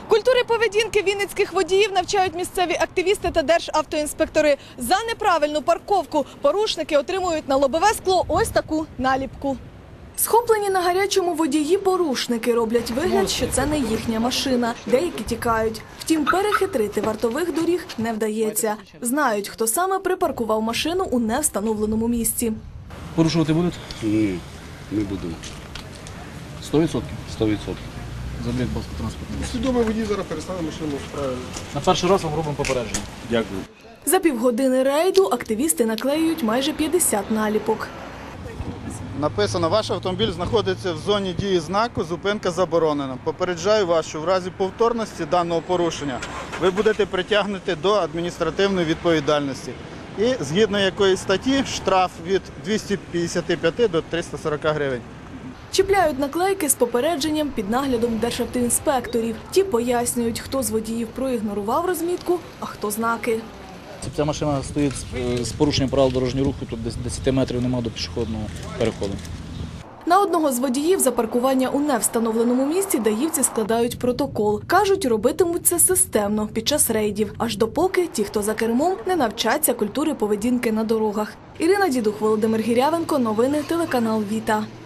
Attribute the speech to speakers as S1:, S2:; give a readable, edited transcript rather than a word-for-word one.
S1: Культури поведінки вінницьких водіїв навчають місцеві активісти та державтоінспектори. За неправильну парковку порушники отримують на лобове скло ось таку наліпку. Схоплені на гарячому водії порушники роблять вигляд, що це не їхня машина. Деякі тікають. Втім, перехитрити вартових доріг не вдається. Знають, хто саме припаркував машину у невстановленому місці.
S2: Порушувати будуть?
S3: Ні, не буду.
S2: 100%?
S3: 100%.
S2: Заберіть, будь ласка, транспортний засіб.
S3: Свідомий водій зараз перестане машину справити.
S2: На перший раз вам робимо попередження.
S3: Дякую.
S1: За півгодини рейду активісти наклеюють майже 50 наліпок.
S4: Написано, ваш автомобіль знаходиться в зоні дії знаку «Зупинка заборонена». Попереджаю вас, що в разі повторності даного порушення ви будете притягнуті до адміністративної відповідальності. І згідно якої статті штраф від 255 до 340 гривень.
S1: Чіпляють наклейки з попередженням під наглядом державтоінспекторів. Ті пояснюють, хто з водіїв проігнорував розмітку, а хто знаки.
S2: Ця машина стоїть з порушенням правил дорожнього руху, тут 10 метрів немає до пішохідного переходу.
S1: На одного з водіїв за паркування у невстановленому місці даївці складають протокол. Кажуть, робитимуть це системно під час рейдів, аж допоки ті, хто за кермом, не навчаться культури поведінки на дорогах. Ірина Дідух, Володимир Гірявенко, новини телеканал Віта.